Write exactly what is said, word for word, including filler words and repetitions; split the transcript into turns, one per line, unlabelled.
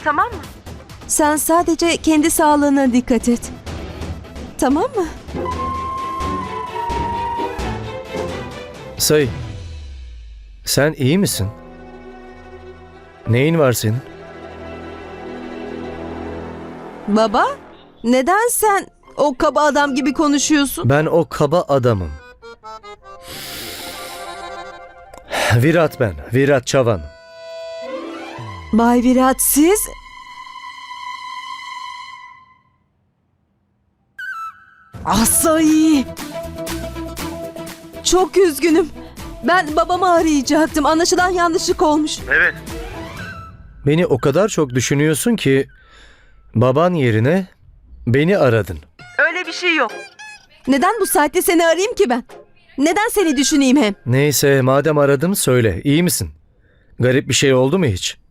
Tamam mı?
Sen sadece kendi sağlığına dikkat et. Tamam mı?
Say, sen iyi misin? Neyin var senin?
Baba, neden sen o kaba adam gibi konuşuyorsun?
Ben o kaba adamım. Virat ben, Virat Çavan.
Bay Virat, siz... Asay! Çok üzgünüm. Ben babamı arayacaktım. Anlaşılan yanlışlık olmuş.
Evet. Beni o kadar çok düşünüyorsun ki baban yerine beni aradın.
Öyle bir şey yok.
Neden bu saatte seni arayayım ki ben? Neden seni düşüneyim hem?
Neyse madem aradım söyle, iyi misin? Garip bir şey oldu mu hiç?